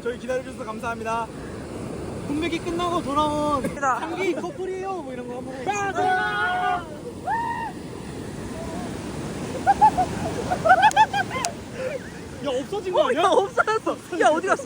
저희 기다려주셔서 감사합니다. 공백이 끝나고 돌아온 향기 커플이에요 뭐 이런 거 한번 가자. 야 없어진 거 아니야? 없어졌어. 야 어디 갔어?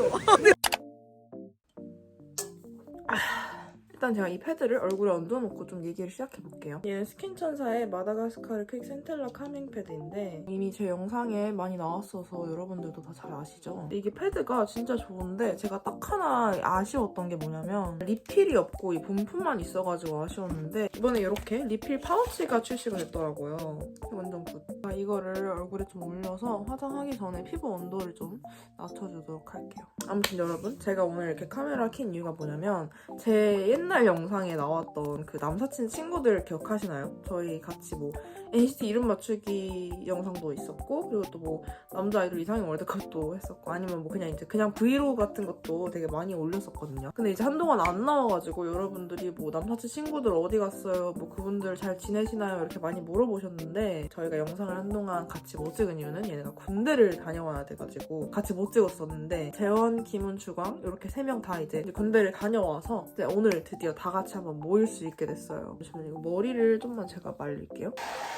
일단 제가 이 패드를 얼굴에 얹어놓고 좀 얘기를 시작해볼게요. 얘는 스킨천사의 마다가스카르 퀵 센텔라 카밍 패드인데 이미 제 영상에 많이 나왔어서 여러분들도 다 잘 아시죠? 근데 이게 패드가 진짜 좋은데 제가 딱 하나 아쉬웠던 게 뭐냐면 리필이 없고 이 본품만 있어가지고 아쉬웠는데 이번에 이렇게 리필 파우치가 출시가 됐더라고요. 완전 굿. 이거를 얼굴에 좀 올려서 화장하기 전에 피부 온도를 좀 낮춰주도록 할게요. 아무튼 여러분 제가 오늘 이렇게 카메라 킨 이유가 뭐냐면 제 옛날 영상에 나왔던 그 남사친 친구들 기억하시나요? 저희 같이 뭐 NCT 이름 맞추기 영상도 있었고 그리고 또 뭐 남자 아이돌 이상형 월드컵도 했었고 아니면 뭐 그냥 브이로그 같은 것도 되게 많이 올렸었거든요. 근데 이제 한동안 안 나와가지고 여러분들이 뭐 남사친 친구들 어디 갔어요? 뭐 그분들 잘 지내시나요? 이렇게 많이 물어보셨는데 저희가 영상을 한동안 같이 못 찍은 이유는 얘네가 군대를 다녀와야 돼가지고 같이 못 찍었었는데 재원, 김은, 주광 이렇게 3명 다 이제 군대를 다녀와서 이제 오늘 드디어 다 같이 한번 모일 수 있게 됐어요. 잠시만요. 이거 머리를 좀만 제가 말릴게요.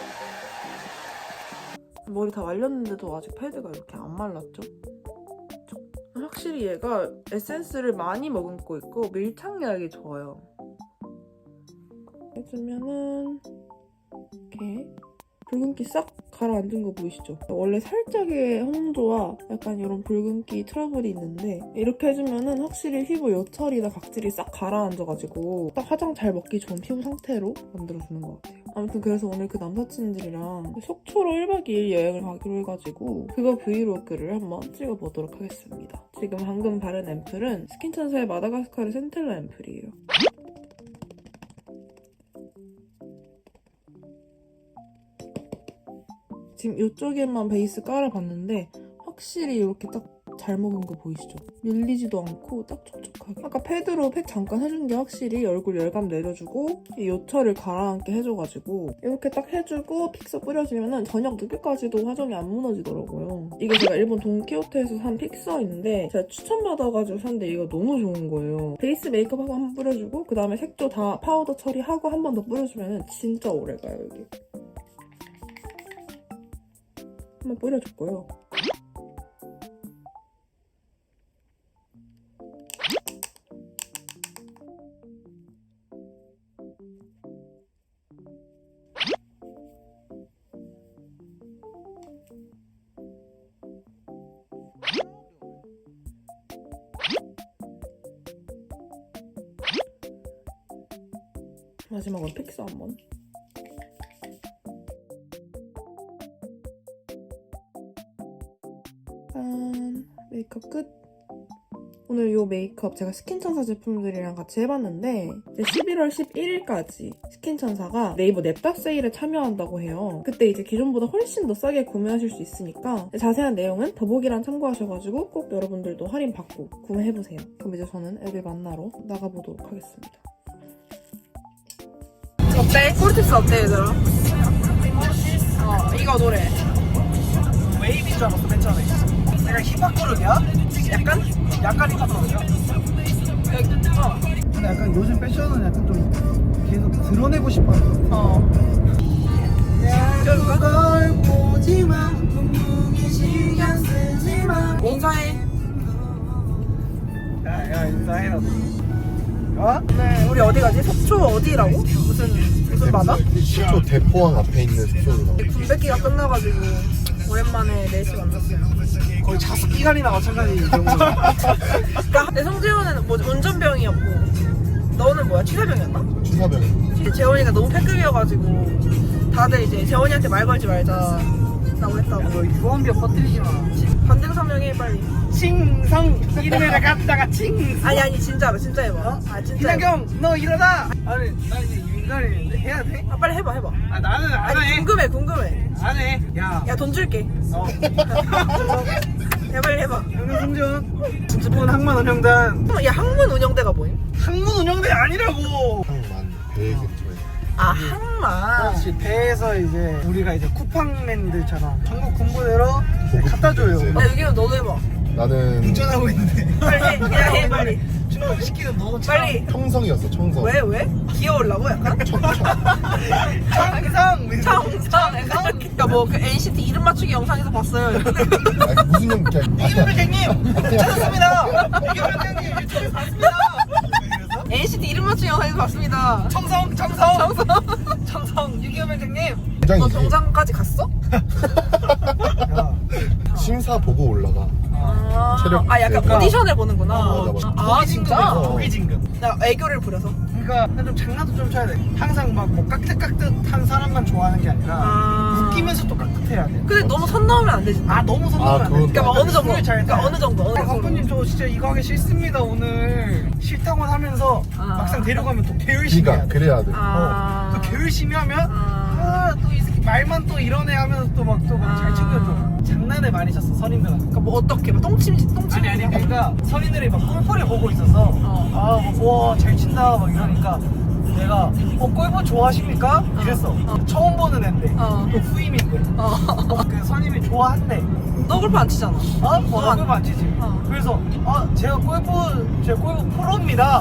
머리 다 말렸는데도 아직 패드가 이렇게 안 말랐죠? 확실히 얘가 에센스를 많이 머금고 있고 밀착력이 좋아요. 해주면은 이렇게 붉은기 싹 가라앉은 거 보이시죠? 원래 살짝의 홍조와 약간 이런 붉은기 트러블이 있는데 이렇게 해주면은 확실히 피부 요철이나 각질이 싹 가라앉아가지고 딱 화장 잘 먹기 좋은 피부 상태로 만들어주는 것 같아요. 아무튼 그래서 오늘 그 남사친들이랑 속초로 1박 2일 여행을 가기로 해가지고 그거 브이로그를 한번 찍어보도록 하겠습니다. 지금 방금 바른 앰플은 스킨천사의 마다가스카르 센텔라 앰플이에요. 지금 이쪽에만 베이스 깔아봤는데 확실히 이렇게 딱 잘 먹은 거 보이시죠? 밀리지도 않고 딱 촉촉하게. 아까 패드로 팩 잠깐 해준 게 확실히 얼굴 열감 내려주고 이 요철을 가라앉게 해줘가지고 이렇게 딱 해주고 픽서 뿌려주면은 저녁 늦게까지도 화장이 안 무너지더라고요. 이게 제가 일본 돈키호테에서 산 픽서인데 제가 추천받아가지고 샀는데 이거 너무 좋은 거예요. 베이스 메이크업하고 한번 뿌려주고 그 다음에 색조 다 파우더 처리하고 한 번 더 뿌려주면은 진짜 오래가요 여기. 한번 뿌려줬고요. 마지막으로 픽서 한번. 짠! 메이크업 끝! 오늘 이 메이크업 제가 스킨천사 제품들이랑 같이 해봤는데 이제 11월 11일까지 스킨천사가 네이버 냅다 세일에 참여한다고 해요. 그때 이제 기존보다 훨씬 더 싸게 구매하실 수 있으니까 자세한 내용은 더보기란 참고하셔가지고 꼭 여러분들도 할인 받고 구매해보세요. 그럼 이제 저는 애들 만나러 나가보도록 하겠습니다. 어때? 꿀팁스 어때 얘들아? 이거 노래 웨이브인 줄 알았어 맨 처음에. 내가 힙합 그룹이야? 약간 힙합 그룹이야? 근데 약간 요즘 패션은 약간 좀 계속 드러내고 싶어요. 그걸 보지마 분명히 신경 쓰지마. 인사해. 야 인사해라. 어? 네, 우리 어디 가지? 속초 어디라고? 무슨 바다? 속초 대포항 앞에 있는 숙소로. 군백기가 끝나가지고 오랜만에 4시 만났어요. 거의 자숙 기간이나 마찬가지 정도. 그러니까 내 성재원은 뭐 운전병이었고 너는 뭐야? 취사병이었나? 취사병. 재원이가 너무 패급이어가지고 다들 이제 재원이한테 말 걸지 말자 라고 했다고. 너 유언비어 퍼뜨리지 마. 반등 설명해 빨리. 칭성 이름에다 갖다가 칭성. 아니 진짜로 진짜 해봐. 진짜 해봐. 이나경 너 일어나. 아니 나 이제 윤가리인데 해야 돼? 빨리 해봐. 아 나는 안 해. 궁금해. 안 해. 야 돈 줄게. 빨리 해봐. 성준 진주분 항만 운영단. 야 항문 운영대가 뭐임? 항문 운영대 아니라고. 항만 배 근처에. 항만. 그렇지. 배에서 이제 우리가 이제 쿠팡맨들처럼 전국 군부대로 갖다 줘요. 야 여기는 너도 해봐. 나는 운전하고 있는데. 빨리 해. 시키는 너 빨리. 청성이었어 청성. 왜? 귀여우려고 약간? 청상. 그러니까 뭐 그 NCT 이름 맞추기 영상에서 봤어요. 아니, 무슨 형 그냥 이규명장님 찾았습니다. 이규명장님 유튜브에서 봤습니다. NCT 이름 맞추기 영상에서 봤습니다. 청성 유규명장님. 너 굉장히 정장까지 갔어? 심사 보고 올라가. 체력 약간 세고. 오디션을 보는구나. 맞아. 아 진짜? 고기 진급. 나 애교를 부려서. 그러니까 좀 장난도 좀 쳐야 돼. 항상 막 뭐 깍듯깍듯한 사람만 좋아하는 게 아니라 웃기면서 또 깍듯해야 돼. 근데 너무 선 넘으면 안 되지. 너무 선동을 안 돼. 그건 그러니까 막 어느 정도. 술을 잘 그러니까 어느 정도. 강프님 저 진짜 이거 하기 싫습니다 오늘. 싫다고 하면서 막상 데려가면 또 개열심히 해야 그러니까 돼. 그래야 돼. 또 개열심히 하면 또 이 새끼 말만 또 이러네 하면서 또 막 잘 챙겨줘. 장난을 많이 쳤어 선임들한테. 그러니까 뭐 어떻게 막 똥침. 아니 그러니까 선임들이 막 골프를 보고 있어서 잘 친다 막 이러니까 내가 골프 좋아하십니까? 이랬어. 처음 보는 앤데 또 후임인데 그 선임이 좋아한대. 너 골프 안 치잖아. 나 골프 안 치지. 그래서 제가 골프 프로입니다.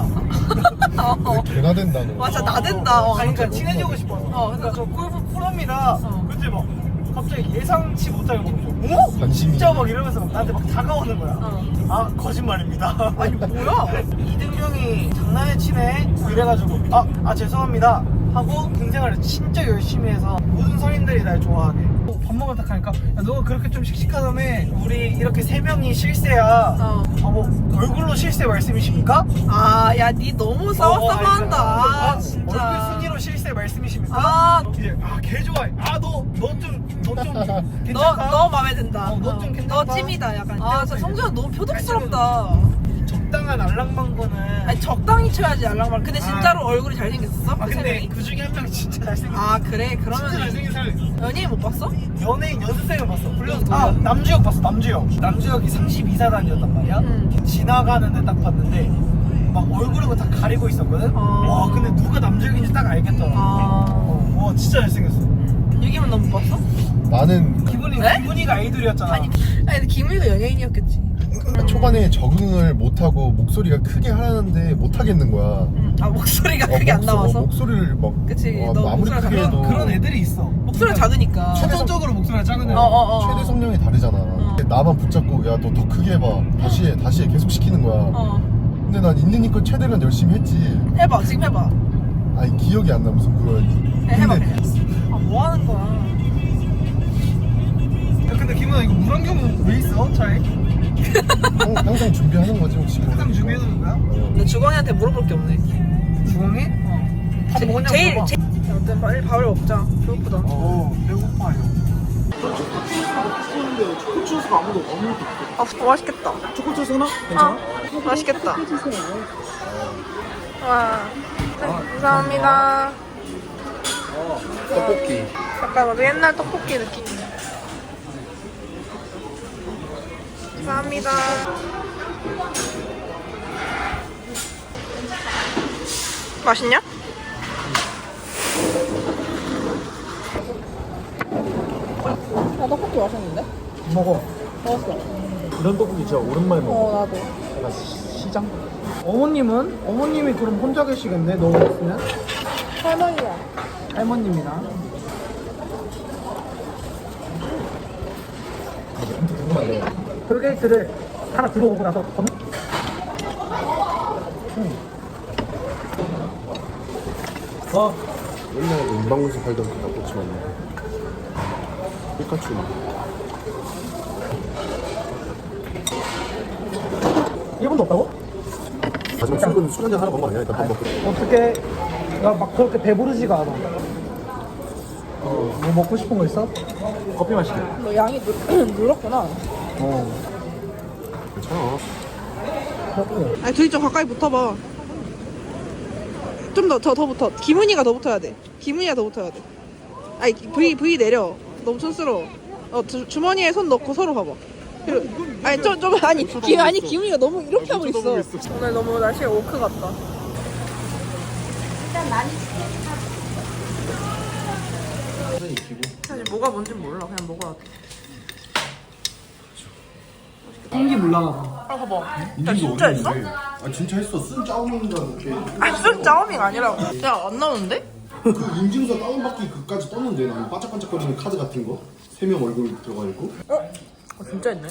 개가 된다 너. 맞아 나댄다. 그러니까 친해지고 싶어서. 그러니까 저 골프 프로입니다. 근데 막 갑자기 예상치 못하게 막 관심이. 진짜 막 이러면서 막 나한테 막 다가오는 거야. 거짓말입니다. 아니 뭐야? 이등병이 장난에 치네 이래가지고 죄송합니다 하고 경쟁을 진짜 열심히 해서 모든 선임들이 날 좋아하게. 밥 먹으러 딱 하니까 야, 너가 그렇게 좀 씩씩하다며 우리 이렇게 3명이 실세야. 뭐 얼굴로 실세 말씀이십니까? 야 니 너무 싸워싸워한다. 진짜. 얼굴 순위로 실세 말씀이십니까? 이제 개 좋아해. 너 좀 괜찮다. 너 마음에 든다. 너 좀 괜찮다. 너 찜이다 약간. 진짜 성준아 너무 표독스럽다. 적당한 알랑방구는. 아니 적당히 쳐야지 알랑말. 근데 진짜로 얼굴이 잘생겼었어? 그 세 근데 명이? 그 중에 한 명 진짜 잘생겼어. 그래 진짜 그러면 잘생긴 사람이. 연예인 못 봤어? 연예인 연습생을 봤어. 불려서 누구야? 남주혁 봤어. 남주혁이 32사단이었단 말이야. 지나가는데 딱 봤는데 막 얼굴을 다 가리고 있었거든. 와 근데 누가 남주혁인지 딱 알겠더라. 와 진짜 잘생겼어. 유기문 너 못 봤어? 나는 기분이가 아이돌이었잖아. 아니 근데 김우희가 연예인이었겠지. 초반에 적응을 못하고 목소리가 크게 하라는데 못하겠는 거야. 목소리가 크게 안 나와서? 목소리를 막 그치, 너 너 아무리 목소리가 크게 해도 그런 애들이 있어. 목소리가 작으니까. 천성적으로 목소리가 작은 애들. 최대 성량이 다르잖아. 나만 붙잡고 야 너 더 크게 해봐. 다시 해 계속 시키는 거야. 근데 난 있는 힘껏 최대한 열심히 했지. 해봐 지금 해봐. 아니 기억이 안 나 무슨 그거였지. 해봐 근데 그냥. 뭐 하는 거야? 근데 김은아 이거 물안경 왜 있어 차에? 항상 준비하는 거지 혹시 모르니까. 항상 준비해두는 거야? 근데 주광이한테 물어볼 게 없네. 주광이? 밥 먹었냐고 제일 물어봐. 아무튼 빨리 밥을 먹자. 배고프다. 배고파요. 초코초스가 아무도 없는 맛있겠다. 초코초스 하나? 괜찮아? 맛있겠다. 와, 감사합니다. 떡볶이. 약간 우리 옛날 떡볶이 느낌이야. 감사합니다. 맛있냐? 떡볶이 맛있는데? 먹어. 먹었어. 이런 떡볶이 진짜 오랜만에 먹어. 나도. 약간 시장? 어머님이 그럼 혼자 계시겠네? 너 없으면? 할머니야. 할머님이랑. 톨게이트를 하나 들어오고 나서 옛날에 은방구에서 팔던 그 닭꼬치 맞네. 피카츄. 일본도 없다고? 마지막 출근 술 한잔 하러 간거 아니야? 일단 밥 먹고. 어떻게 나 막 그렇게 배부르지가 않아. 뭐 먹고 싶은 거 있어? 커피 마실게. 너 양이 늘었구나. 괜찮아. 아니 둘이 좀 가까이 붙어봐. 좀 더 붙어. 김은이가 더 붙어야 돼. 김은이가 더 붙어야 돼. 아니 V 내려. 너무 촌스러워. 주머니에 손 넣고 서로 봐봐. 아니 김은이가 너무 이렇게 하고 있어. 오늘 너무 날씨가 오크 같다. 일단 많이 사실 뭐가 뭔지 몰라. 그냥 먹어야 돼. 맛있겠다. 풍기 물라나. 아 봐봐. 야 인증도 진짜 했어? 어디 있는데? 아 진짜 했어. 쓴 짜오밍인가 이렇게. 무슨 짜오밍 아니라고. 야 안 나오는데? 그 인증서 다운받기 그까지 떴는데 나는 반짝반짝거리는 카드 같은 거 3명 얼굴 들어가 있고. 진짜 했네.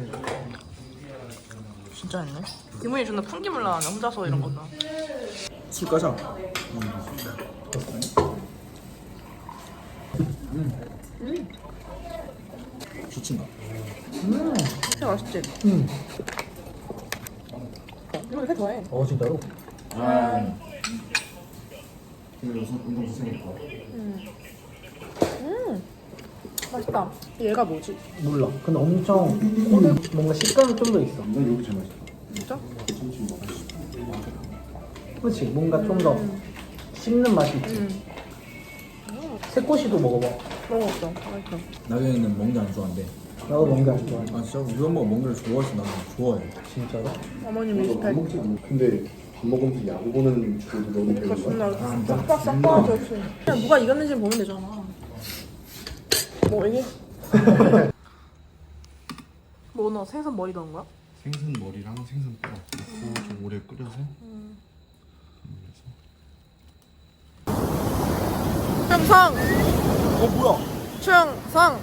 진짜 했네. 기분이 존나 풍기물 나네. 혼자서 이런 거나. 술 까자. 좋친가? 진짜 맛있지? 이거 왜 좋아해? 진짜로? 근데 요즘 운동 고생했다. 맛있다. 얘가 뭐지? 몰라. 근데 엄청 꼬들 뭔가 식감이 좀 더 있어. 난 여기 제일 맛있다. 진짜? 참치 먹었어. 그렇지. 뭔가 좀 더 씹는 맛이 있지. 새꼬시도 먹어봐. 먹었어. 맛있어. 나경이는 멍게 안 좋아한대. 나도 뭔가 안 좋아해. 아 진짜? 우리 엄마가 멍게를 좋아해서 나는 좋아해. 진짜로? 어머님 밥 리스펙. 먹지 않아. 근데 밥 먹으면서 야구 보는 주제도 너무 그러니까 배운 거야. 존나 싹싹 없이. 그냥 누가 이겼는지 보면 되잖아. 뭐 이게? 뭐 너 생선 머리 넣은 거야? 생선 머리랑 생선 뼈 넣고 좀 오래 끓여서. 충성! 뭐야? 충성!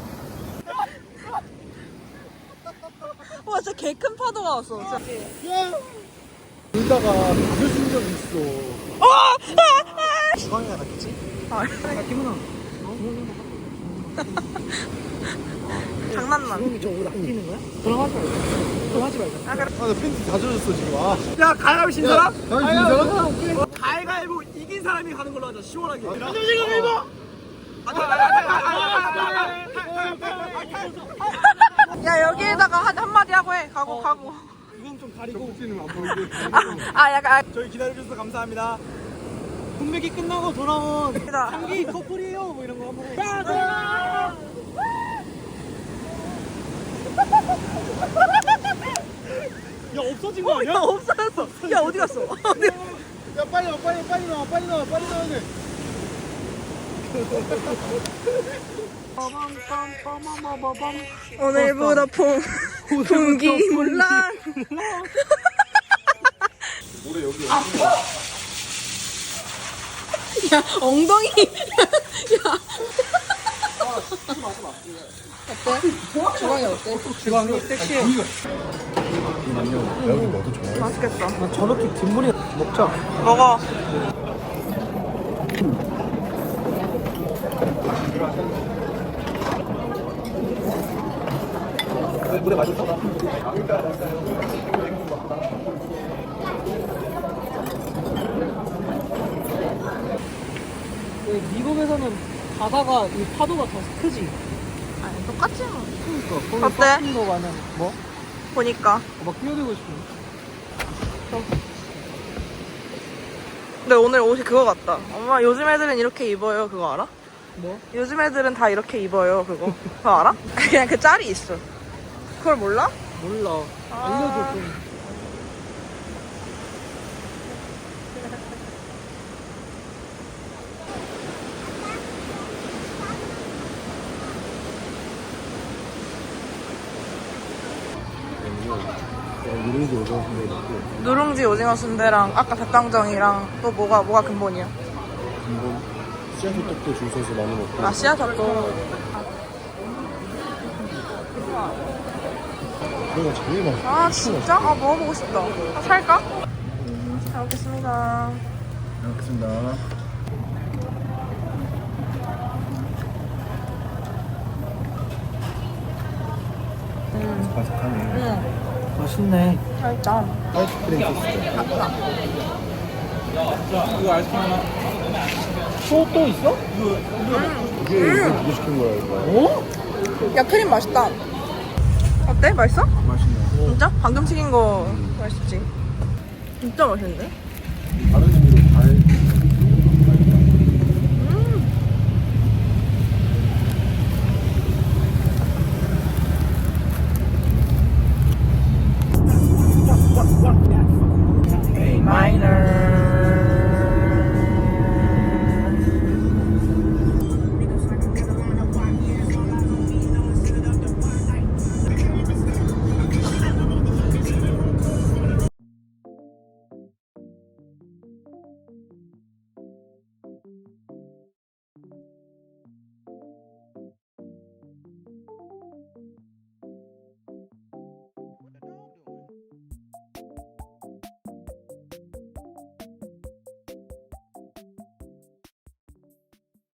와 진짜 개 큰 파도가 왔어. 진짜. 울다가 맞을 적 있어. 주방에 갔겠지? 아, 기분아. 장난만. 주방이 저옷 아끼는 거야? 그럼 하지 말자. 그럼 하지 말자. 아, 그래. 아 나 팬티 다 젖었어 지금. 아. 야, 가위바위보 진 사람? 가위바위보 진 사람? 가위바위보 이긴 사람이 가는 걸로 하자. 시원하게. 야 여기에다가 한마디 하고 해. 가고. 이건 좀 가리고. 안 보이게. 약간. 저희 기다려주셔서 감사합니다. 분배기 끝나고 돌아온 아, 향기 커플이에요. 뭐 이런 거 한번 해. 야, 없어진 거 아니야? 없어졌어. 야 어디 갔어? 야 빨리 나와 돼. 오늘부터 풍기 물랑. 올해 여기 야 엉덩이. 야. 어때? 주방이 어때? 주방이 섹시해. 여기 너도 좋아해? 맛있겠다. 나 저렇게 뒷물이 먹자. 먹어. 물에 맛있어. 미국에서는 바다가 이 파도가 더 크지. 아니 똑같지 뭐. 그러니까 어때? 서핑 거 가면 뭐? 보니까. 막 뛰어들고 싶어. 근데 오늘 옷이 그거 같다. 엄마 요즘 애들은 이렇게 입어요. 그거 알아? 뭐? 요즘 애들은 다 이렇게 입어요. 그거. 그거 알아? 그냥 그 짤이 있어. 그걸 몰라? 몰라. 알려줘 좀. 누룽지 오징어 순대 있고 누룽지 오징어 순대랑 아까 닭강정이랑 또 뭐가 근본이야? 한번 씨앗호떡도 줄 서서 많이 먹고. 아 씨앗젓도. 내가 제일 맛있어. 아 진짜? 아 먹어보고 싶다. 아, 살까? 잘 먹겠습니다. 잘 먹겠습니다. 바삭하네. 응. 맛있네. 살짝. 아이스크림 소스. 이거 아이스크림 하나. 또 있어? 이게 누구 시킨 거야 이거? 어? 야 크림 맛있다. 어때? 맛있어? 맛있네. 진짜? 방금 튀긴 거 맛있지? 진짜 맛있는데? 다른 집이